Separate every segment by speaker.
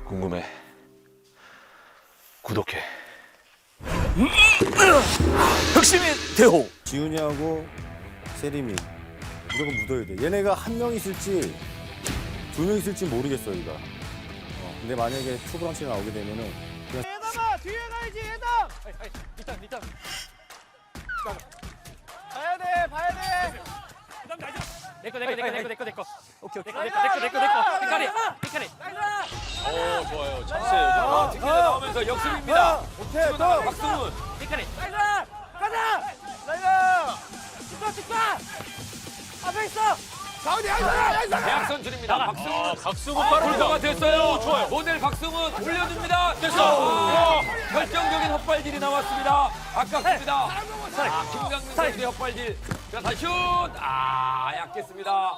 Speaker 1: 궁금해. 구독해. 혁신의 대호.
Speaker 2: 지훈이하고 세림이 무조건 묻어야 돼. 얘네가 한 명 있을지 두 명 있을지 모르겠어 우리가. 근데 만약에 투브런치 나오게 되면은 그냥
Speaker 3: 예담아 뒤에 가야지 예담. 일단 봐야 돼 봐야 돼. 내꺼 오케이 내꺼 헷갈리.
Speaker 1: 오, 좋아요. 찬스예요. 득점 나오면서 역습입니다.
Speaker 2: 오케이 또
Speaker 1: 박승훈.
Speaker 3: 헷갈리. 가자. 라이너. 축하. 앞에 있어.
Speaker 1: 대학 선출입니다. 박승훈. 박승훈 골퍼가 됐어요. 좋아요. 모델 박승훈 올려줍니다. 됐어. 결정적인 헛발질이 나왔습니다. 아깝습니다. 김강민 선수의 헛발질. 자, 다시 슛. 약했습니다.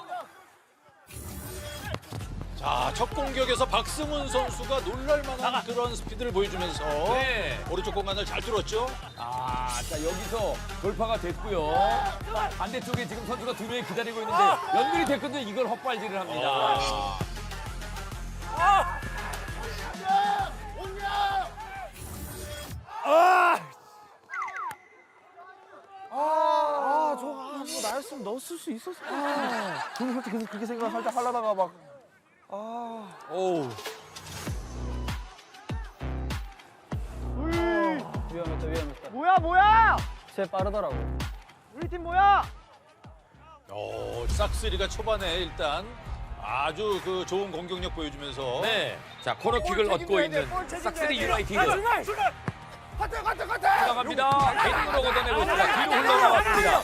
Speaker 4: 자, 첫 공격에서 박승훈 선수가 놀랄만한 그런 스피드를 보여주면서
Speaker 1: 네.
Speaker 4: 오른쪽 공간을 잘 뚫었죠.
Speaker 1: 자, 여기서 돌파가 됐고요. 반대쪽에 지금 선수가 두 명이 기다리고 있는데 연결이 됐거든요. 이걸 헛발질을 합니다.
Speaker 5: 뭐 나였으면 넣었을 수 있었어. 저는 솔직히 그렇게 생각 살짝 하려다가 막.
Speaker 4: 오우.
Speaker 5: 위험했다.
Speaker 3: 뭐야?
Speaker 5: 쟤 빠르더라고.
Speaker 3: 우리 팀 뭐야?
Speaker 4: 싹스리가 초반에 일단 아주 그 좋은 공격력 보여주면서
Speaker 1: 네. 자, 코너킥을 얻고 있는 싹스리 유나이티드. 올라갑니다. 개인으로 걷어내고 있습니다. 뒤로 흘러나왔습니다.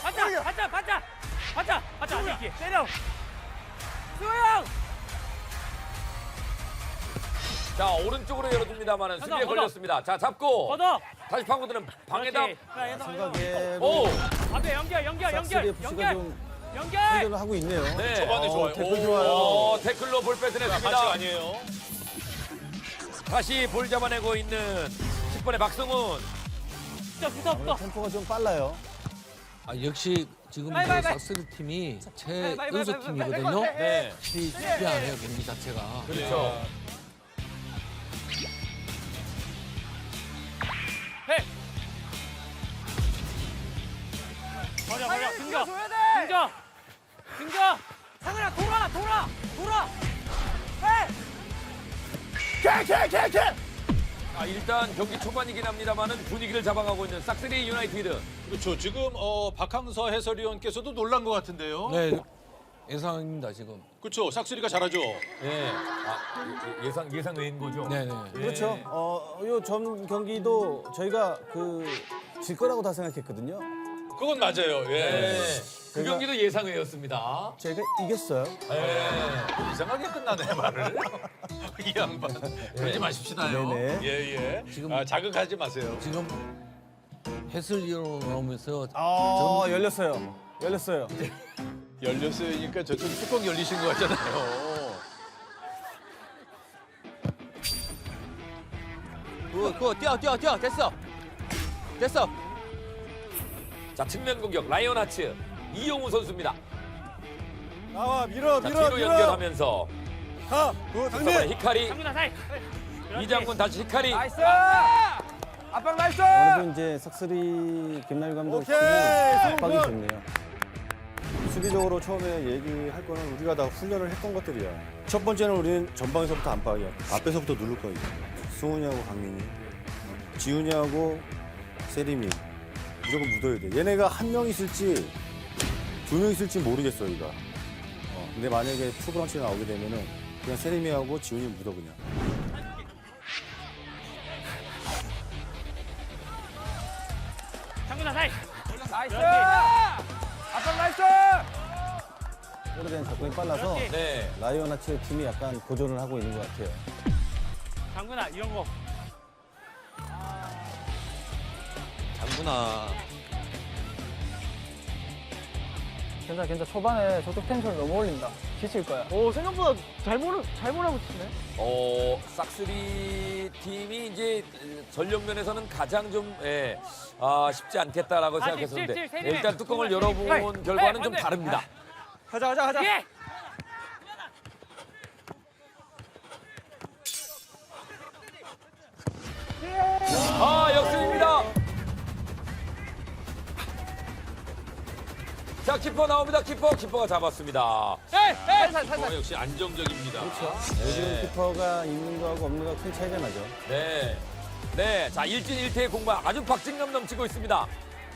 Speaker 3: 받자 이렇게 때려. 수영.
Speaker 1: 자, 오른쪽으로 열어줍니다만은 수비에 걸렸습니다. 자, 잡고
Speaker 3: 걷어.
Speaker 1: 다시 파고드는 방해다.
Speaker 2: 생각에
Speaker 1: 오,
Speaker 3: 앞에 연결.
Speaker 2: 싹스리 FC가 좀 생존을 하고 있네요.
Speaker 1: 네.
Speaker 4: 초반에 좋아요.
Speaker 2: 태클 좋아요.
Speaker 1: 태클로 볼
Speaker 4: 반칙
Speaker 1: 뺏어냈습니다.
Speaker 4: 아니에요.
Speaker 1: 다시 볼 잡아내고 있는 10번의 박승훈.
Speaker 3: 붙어.
Speaker 2: 템포가 좀 빨라요.
Speaker 6: 역시 지금
Speaker 3: 빨리.
Speaker 6: 삭스리 팀이 제
Speaker 3: 빨리.
Speaker 6: 연속 팀이거든요.
Speaker 1: 네.
Speaker 6: 쉽지 않아요 경기 자체가.
Speaker 1: 그렇죠.
Speaker 3: 버려. 등져. 상현아 돌아.
Speaker 1: 일단 경기 초반이긴 합니다만은 분위기를 잡아가고 있는 싹스리 유나이티드.
Speaker 4: 그렇죠. 지금 박항서 해설위원께서도 놀란 것 같은데요.
Speaker 6: 네 예상입니다 지금.
Speaker 4: 그렇죠. 싹스리가 잘하죠.
Speaker 1: 네. 예상 외인 거죠.
Speaker 6: 네네.
Speaker 2: 그렇죠. 요 전 경기도 저희가 질 거라고 다 생각했거든요.
Speaker 4: 그건 맞아요. 예.
Speaker 1: 그 경기도 예상 외였습니다.
Speaker 2: 저희가 이겼어요.
Speaker 4: 이상하게 끝나네 말을. 이 양반. 그러지 마십시다요.
Speaker 2: 네네.
Speaker 4: 예.
Speaker 6: 지금-
Speaker 4: 자극하지 마세요.
Speaker 6: 지금 해설위로 나오면서
Speaker 2: 열렸어요.
Speaker 4: 열렸으니까 저쪽 뚜껑 열리신 거 같잖아요.
Speaker 5: 그거 뛰어. 됐어.
Speaker 1: 자, 측면 공격 라이언 하츠 이용우 선수입니다.
Speaker 2: 나와 밀어.
Speaker 1: 자, 뒤로 연결하면서
Speaker 2: 가.
Speaker 1: 이번에 히카리
Speaker 3: 상준아 사이.
Speaker 1: 이장군 다시 히카리.
Speaker 3: 나이스. 압박 나이스.
Speaker 2: 그래도 이제 삭스리 김나일 감독 팀이 압박이 좋네요. 수비적으로 처음에 얘기할 거는 우리가 다 훈련을 했던 것들이야. 첫 번째는 우리는 전방에서부터 안팎이야. 앞에서부터 누를 거예요. 승훈이하고 강민이, 지훈이하고 세림이 무조건 묻어야 돼. 얘네가 한 명 있을지 두 명 있을지 모르겠어 우리가. 근데 만약에 투브런치 나오게 되면은 그냥 세림이하고 지훈이 묻어 그냥.
Speaker 3: 상준아 사이. 나이스. 압박 나이스.
Speaker 2: 오래된 접근이 빨라서
Speaker 1: 네.
Speaker 2: 라이언 하츠 팀이 약간 보존을 하고 있는 것 같아요.
Speaker 3: 장군아 이런 거.
Speaker 5: 장군아. 괜찮아. 초반에 저쪽 텐션 너무 올린다. 지칠 거야. 오 생각보다 잘 몰아붙이네.
Speaker 1: 싹스리 팀이 이제 전력 면에서는 가장 좀 쉽지 않겠다라고 생각했었는데 일단 뚜껑을 열어본 결과는 좀 다릅니다.
Speaker 5: 가자.
Speaker 3: 예.
Speaker 1: 키퍼 나옵니다. 키퍼가 잡았습니다.
Speaker 4: 키퍼가 역시 안정적입니다.
Speaker 2: 요즘 키퍼가 있는 거하고 없는 거하고 큰 차이가 나죠.
Speaker 1: 네. 네. 자, 1진 1퇴의 공방 아주 박진감 넘치고 있습니다.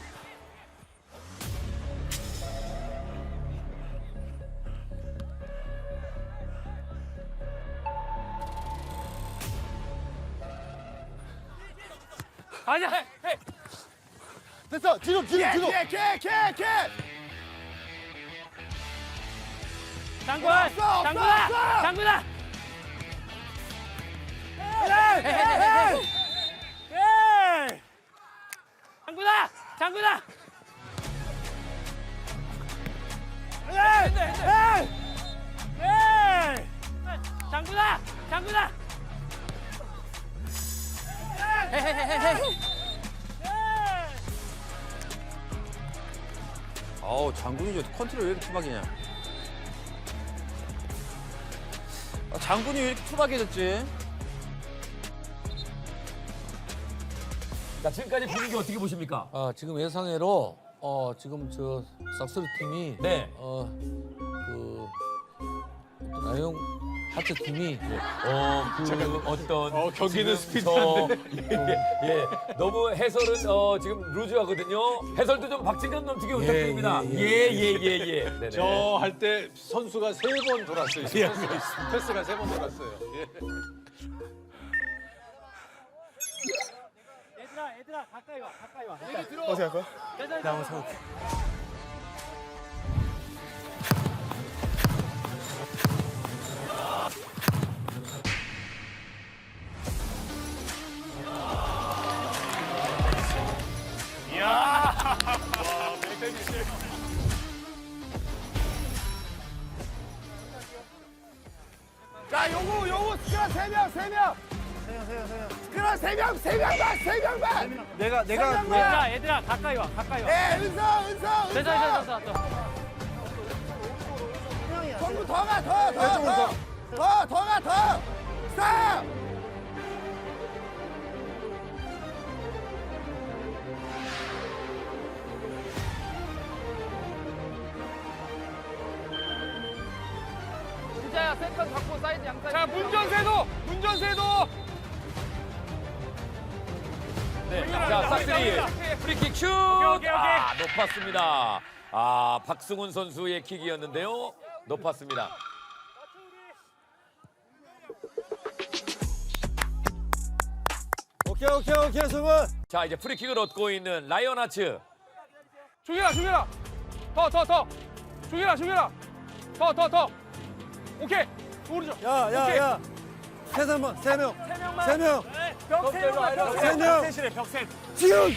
Speaker 3: 아니야.
Speaker 2: 됐어. 뒤로.
Speaker 3: 장군아. 장군아. 장군아. 장군아.
Speaker 7: 어우 장군이 저 컨트롤 왜 이렇게 투박이냐? 장군이 왜 이렇게 투박해졌지?
Speaker 1: 자, 지금까지 분위기 어떻게 보십니까?
Speaker 6: 지금 예상외로 지금 저 싹소리 팀이
Speaker 1: 네.
Speaker 6: 라이온 하트 팀이
Speaker 1: 어떤
Speaker 4: 경기는
Speaker 1: 지금 저- 예, 너무 해설은 지금 루즈하거든요. 해설도 좀 박진감 넘치게 부탁드립니다. 예. 네네.
Speaker 4: 저 할 때 선수가 3번 돌았어요. 패스가 3번 돌았어요. 예.
Speaker 3: 얘들아 가까이 와.
Speaker 2: 어떻게 할 거야?
Speaker 3: 나 한번 서.
Speaker 8: 자, 요거 스크라 3명. 스크라 3명만.
Speaker 3: 얘들아 가까이 와.
Speaker 8: 예, 은서.
Speaker 3: 됐어.
Speaker 8: 전부 더 가. 스탑.
Speaker 5: 진짜야 세컨 잡고 사이드 양사이드.
Speaker 3: 자, 문전세도.
Speaker 1: 네. 자, 싹쓸이 프리킥 슛!
Speaker 3: 오케이.
Speaker 1: 아, 높았습니다. 아, 박승훈 선수의 킥이었는데요. 높았습니다.
Speaker 2: 오케이, 승훈.
Speaker 1: 자, 이제 프리킥을 얻고 있는 라이언 하츠.
Speaker 3: 중이라. 더. 중이라. 더. 오케이. 오른쪽.
Speaker 2: 야. 세 명.
Speaker 3: 벽 세.
Speaker 2: 지훈.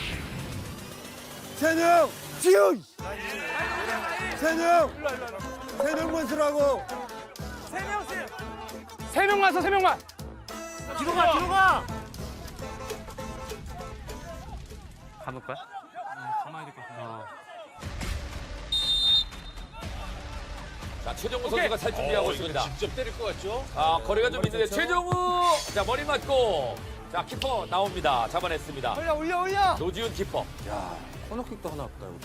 Speaker 2: 지훈. 세 명만 쓰라고.
Speaker 3: 세 명만. 뒤로 가. 가볼 거야? 가만히 될것 같아.
Speaker 1: 자, 최정우 선수가 살 준비하고
Speaker 4: 이거
Speaker 1: 있습니다.
Speaker 4: 직접 때릴 것 같죠?
Speaker 1: 아, 거리가 좀 있는데 최정우! 자, 머리 맞고. 자, 키퍼 나옵니다. 잡아냈습니다.
Speaker 3: 올려.
Speaker 1: 노지훈 키퍼.
Speaker 7: 코너킥도 하나 없다 여기.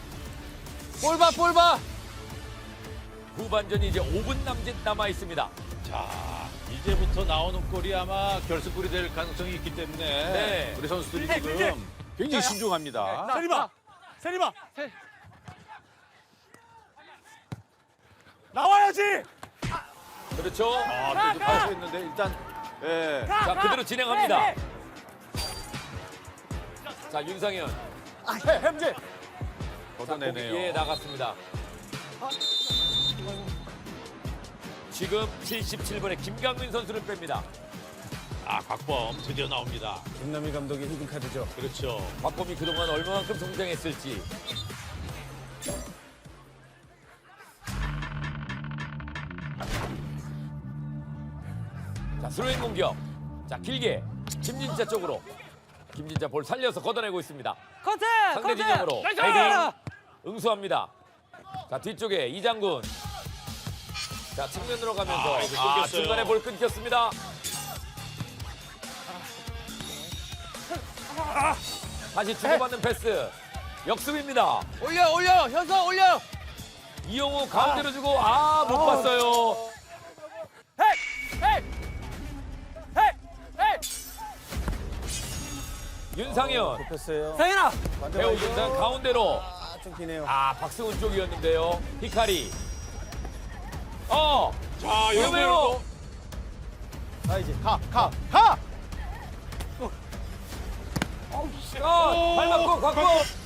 Speaker 5: 볼 봐.
Speaker 1: 후반전이 이제 5분 남아 있습니다.
Speaker 4: 자, 이제부터 나오는 골이 아마 결승골이 될 가능성이 있기 때문에
Speaker 1: 네.
Speaker 4: 우리 선수들이 지금 굉장히 신중합니다.
Speaker 3: 세리마. 나와야지.
Speaker 1: 그렇죠.
Speaker 4: 또 파서 했는데 일단 예.
Speaker 1: 자, 그대로 진행합니다. 자, 윤상현.
Speaker 4: 걷어내네요.
Speaker 1: 예, 나갔습니다. 지금 77번에 김강민 선수를 뺍니다.
Speaker 4: 아, 곽범 드디어 나옵니다.
Speaker 2: 김남일 감독의 히든 카드죠.
Speaker 4: 그렇죠.
Speaker 1: 박범이 그동안 얼마만큼 성장했을지. 자, 스로잉 공격. 자, 길게 김진자 쪽으로. 김진자 볼 살려서 걷어내고 있습니다. 상대 진영으로 헤딩 응수합니다. 자, 뒤쪽에 이장군. 자, 측면으로 가면서
Speaker 4: 이거 끊겼어요.
Speaker 1: 중간에 볼 끊겼습니다. 다시 주고받는 패스. 역습입니다.
Speaker 5: 올려. 현서 올려.
Speaker 1: 이용우 가운데로 주고 못 봤어요. 윤상현
Speaker 2: 패스예요.
Speaker 5: 상현아.
Speaker 1: 배우 윤상 가운데로
Speaker 2: 좀 기네요.
Speaker 1: 박승훈 쪽이었는데요. 히카리.
Speaker 4: 자,
Speaker 1: 위험해요.
Speaker 4: 여기로
Speaker 2: 가 이제.
Speaker 1: 발 맞고 곽고.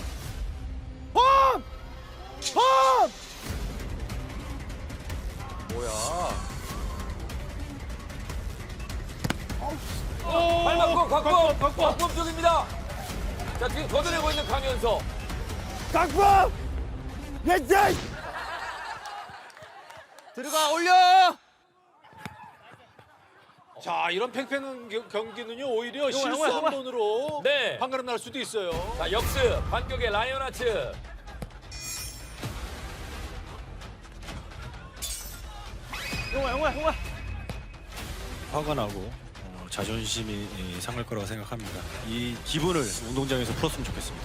Speaker 1: 발 맞고 곽고. 곽범 쪽입니다. 자 지금 걷어내고 있는 강현서.
Speaker 8: 강범! 왼쪽!
Speaker 7: 들어가 올려.
Speaker 4: 자, 이런 팽팽한 경기는요, 오히려 실수 한 번으로
Speaker 1: 네.
Speaker 4: 판가름 날 수도 있어요.
Speaker 1: 자 역습 반격의 라이온하츠.
Speaker 5: 용아.
Speaker 9: 화가 나고 자존심이 상할 거라고 생각합니다. 이 기분을 운동장에서 풀었으면 좋겠습니다.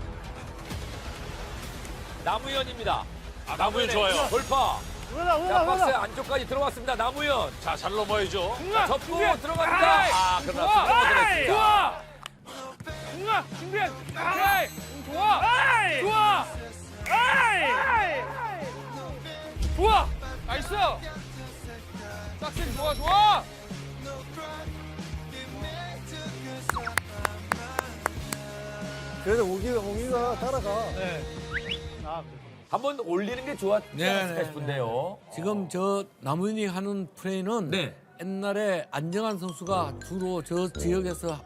Speaker 1: 남우현입니다.
Speaker 4: 남우현 좋아요.
Speaker 1: 돌파. 자 박스 안쪽까지 들어왔습니다. 남우현.
Speaker 4: 자, 잘 넘어야죠.
Speaker 1: 자, 접고 들어갑니다. 그러나 수비가 들어갔습니다.
Speaker 3: 준비해. 좋아. 나이스. 싹신 좋아.
Speaker 2: 그래도 오기가 따라가.
Speaker 1: 한번 올리는 게 좋았지 않을까
Speaker 6: 네.
Speaker 1: 싶은데요.
Speaker 6: 지금 저 남은이 하는 플레이는
Speaker 1: 네.
Speaker 6: 옛날에 안정환 선수가 주로 저 지역에서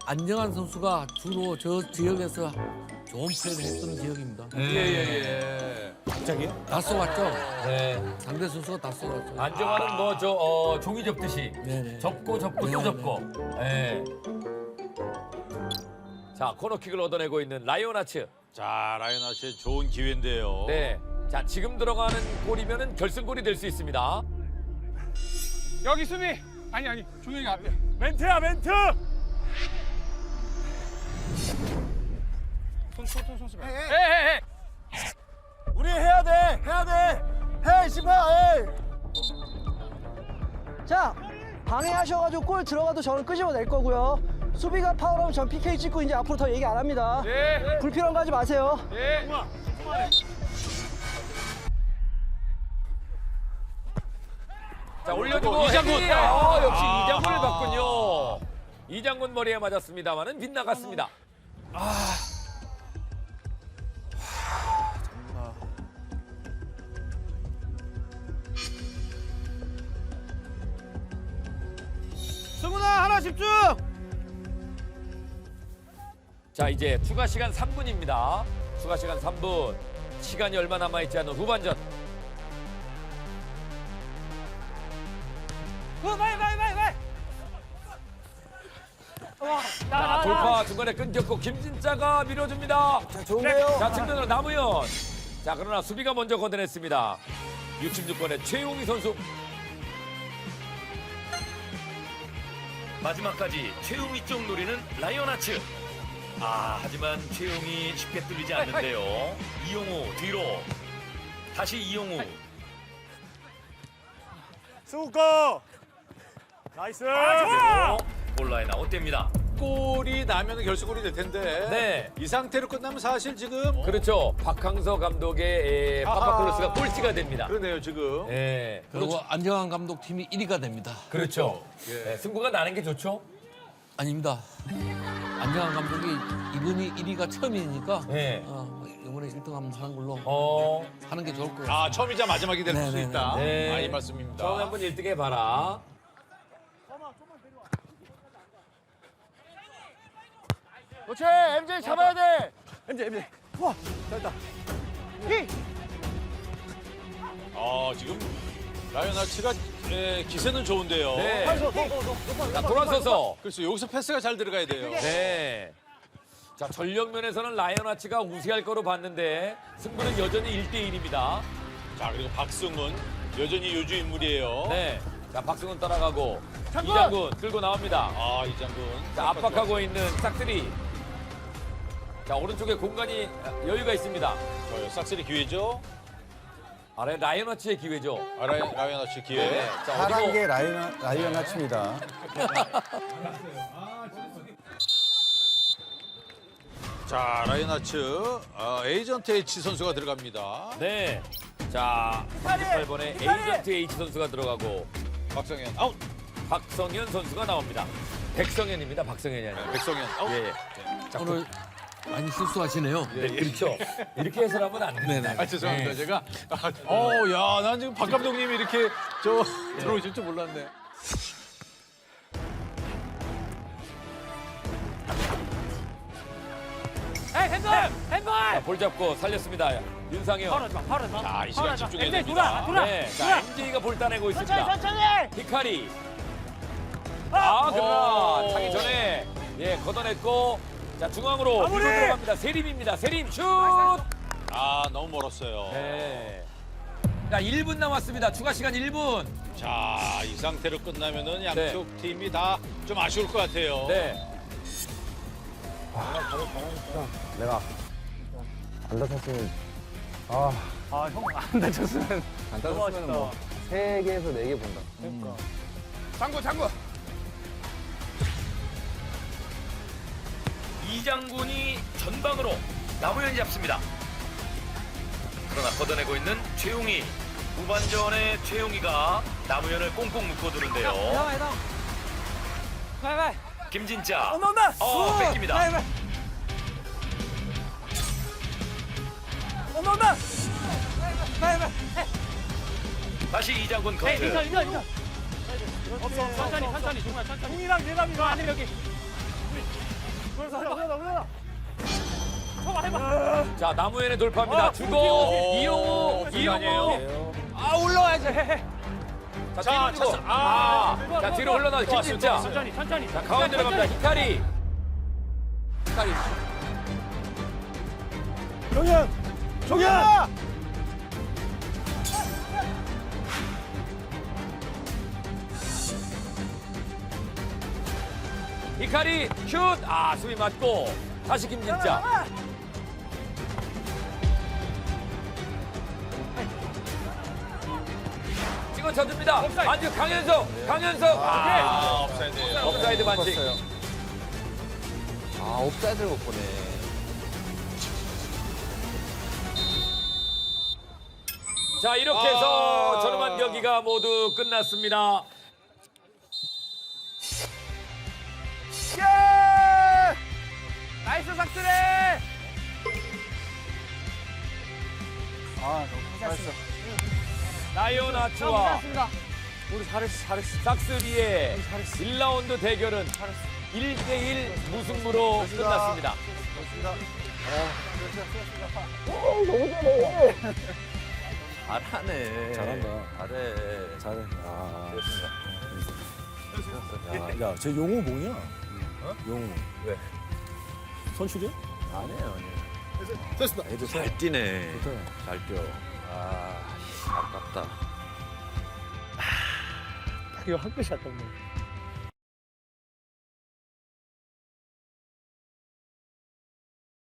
Speaker 6: 좋은 플레이를 했던 지역입니다.
Speaker 1: 예.
Speaker 2: 갑자기요?
Speaker 6: 다 쏘았죠?
Speaker 1: 네.
Speaker 6: 상대 선수가 다 쏘았죠.
Speaker 1: 안정환은 종이 접듯이
Speaker 6: 네네.
Speaker 1: 접고 또
Speaker 6: 네네.
Speaker 1: 접고. 예. 자 코너킥을 얻어내고 있는 라이온하츠.
Speaker 4: 자, 라이언 씨의 좋은 기회인데요.
Speaker 1: 네. 자 지금 들어가는 골이면은 결승골이 될 수 있습니다.
Speaker 3: 여기 수비. 아니 종현이가 앞에. 멘트야. 손 수비. 해.
Speaker 2: 우리 해야 돼. 해 시파.
Speaker 5: 자, 방해하셔가지고 골 들어가도 저는 끄집어낼 거고요. 수비가 파울하면 전 PK 찍고 이제 앞으로 더 얘기 안 합니다.
Speaker 3: 예.
Speaker 5: 불필요한 거 하지 마세요.
Speaker 3: 예.
Speaker 1: 자 올려주고
Speaker 4: 이장군.
Speaker 1: 헤딩! 역시 이장군을 봤군요. 이장군 머리에 맞았습니다만은 빗나갔습니다.
Speaker 3: 승훈아 하나 집중.
Speaker 1: 자 이제 추가 시간 3분입니다. 추가 시간 3분. 시간이 얼마 남아있지 않은 후반전. 자 돌파 중간에 끊겼고 김진짜가 밀어줍니다.
Speaker 2: 자, 좋은데요.
Speaker 1: 자 측면으로 남우현. 자 그러나 수비가 먼저 걷어냈습니다. 66번의 최용희 선수.
Speaker 10: 마지막까지 최용희 쪽 노리는 라이온하츠. 하지만 최용희 쉽게 뚫리지 않는데요. 이용우 뒤로. 다시 이용우.
Speaker 3: 수고. 나이스.
Speaker 10: 골라인 아웃됩니다.
Speaker 4: 골이 나면 결승골이 될 텐데.
Speaker 1: 네.
Speaker 4: 이 상태로 끝나면 사실 지금
Speaker 1: 그렇죠. 박항서 감독의 파파클로스가 꼴찌가 됩니다.
Speaker 4: 그러네요, 지금.
Speaker 1: 네.
Speaker 6: 그리고 안정환 감독 팀이 1위가 됩니다.
Speaker 1: 그렇죠. 네, 승부가 나는 게 좋죠.
Speaker 6: 아닙니다. 안정환 감독이 이번이 1위가 처음이니까
Speaker 1: 네.
Speaker 6: 이번에 1등 한번 하는 걸로 하는 게 좋을 것 같아요.
Speaker 4: 아, 처음이자 마지막이 될 수
Speaker 6: 네네네.
Speaker 4: 있다.
Speaker 1: 네.
Speaker 4: 이 말씀입니다.
Speaker 1: 처음에 한번 1등 해봐라.
Speaker 3: 그렇지. MJ 잡아야 돼.
Speaker 4: 지금 라이언 하츠가 기세는 좋은데요.
Speaker 1: 네. 자, 돌아서서.
Speaker 4: 그래서 여기서 패스가 잘 들어가야 돼요.
Speaker 1: 네. 자, 전력면에서는 라이언하츠가 우세할 거로 봤는데 승부는 여전히 1대1입니다.
Speaker 4: 자, 그리고 박승훈 여전히 요주 인물이에요.
Speaker 1: 네. 자, 박승훈 따라가고 이장군 끌고 나옵니다.
Speaker 4: 이장군.
Speaker 1: 자, 압박하고 있는 싹쓸이. 자, 오른쪽에 공간이 여유가 있습니다.
Speaker 4: 싹쓸이 기회죠.
Speaker 1: 아래 라이언워치의 기회죠.
Speaker 4: 라이언아치 기회.
Speaker 1: 자, 어디고?
Speaker 2: 11개 라이언 아치입니다.
Speaker 4: 자, 라이언아츠 에이전트 H 선수가 들어갑니다.
Speaker 1: 네. 자, 38번에 에이전트 H 선수가 들어가고
Speaker 4: 박성현 아웃.
Speaker 1: 박성현 선수가 나옵니다. 백성현입니다. 박성현이 아니라.
Speaker 4: 백성현 아웃.
Speaker 1: 예. 자,
Speaker 6: 오늘 많이 실수하시네요.
Speaker 1: 네, 그렇죠. 이렇게 해설하면 안 됩니다.
Speaker 4: 아, 죄송합니다. 제가 야, 난 지금 박 감독님이 이렇게 저 들어오실 줄 몰랐네.
Speaker 1: 자, 볼 잡고 살렸습니다. 윤상현.
Speaker 4: 자, 이 시간 집중해야 됩니다.
Speaker 1: 네. 자, MJ가 볼 따내고 있습니다.
Speaker 3: 천천히.
Speaker 1: 히카리. 아, 그러나
Speaker 4: 오.
Speaker 1: 타기 전에 예, 걷어냈고 자, 중앙으로 밀고 들어갑니다. 세림입니다. 세림 슛!
Speaker 4: 아, 너무 멀었어요.
Speaker 1: 네. 자, 1분 남았습니다. 추가 시간 1분.
Speaker 4: 자, 이 상태로 끝나면은 양쪽 팀이 다 좀 아쉬울 것 같아요.
Speaker 1: 네.
Speaker 2: 내가 안 다쳤으면
Speaker 5: 안 다쳤으면
Speaker 2: 안 다쳤으면 뭐 3개에서 4개 본다.
Speaker 3: 장구.
Speaker 10: 이장군이 전방으로 남우현이 잡습니다. 그러나 걷어내고 있는 최용희. 후반전에 최용희가 남우현을 꽁꽁 묶어두는데요. 김진짜.
Speaker 3: 온다.
Speaker 10: 뺏깁니다.
Speaker 3: 온다.
Speaker 10: 다시 이장군 커트.
Speaker 3: 천천히 정말 천천히. 공이랑 대답이 안 해, 여기.
Speaker 1: 자, 남우현의 돌파입니다. 주고 이용호.
Speaker 3: 아, 올라와야지.
Speaker 1: 자, 뒤로 주고. 자, 뒤로 흘러나 김진짜.
Speaker 3: 천천히.
Speaker 1: 자, 가운데로 갑니다. 히카리.
Speaker 8: 종현!
Speaker 1: 히카리 슛! 아, 수비 맞고 다시 김진짜. 찍어 쳐줍니다. 반칙 강현석. 아,
Speaker 4: 업사이드.
Speaker 1: 업사이드 반칙.
Speaker 7: 아, 옵사이드를 못 보네.
Speaker 1: 자, 이렇게 해서 저렴한 경기가 모두 끝났습니다.
Speaker 3: 나이스 삭스레.
Speaker 5: 잘했어.
Speaker 1: 라이온아츠와
Speaker 5: 우리 잘했어.
Speaker 1: 삭스리의 1라운드 대결은 1대1 무승부로 끝났습니다.
Speaker 7: 잘하네.
Speaker 2: 잘한다.
Speaker 7: 잘해.
Speaker 2: 잘해. 야, 쟤 용호 뭐냐? 용호.
Speaker 7: 왜?
Speaker 2: 선출이야?
Speaker 7: 아니에요.
Speaker 2: 됐습니다.
Speaker 7: 애들 잘 뛰네.
Speaker 2: 좋다.
Speaker 7: 잘 뛰어. 아, 아깝다.
Speaker 5: 이거 한 끝이 안 떴네.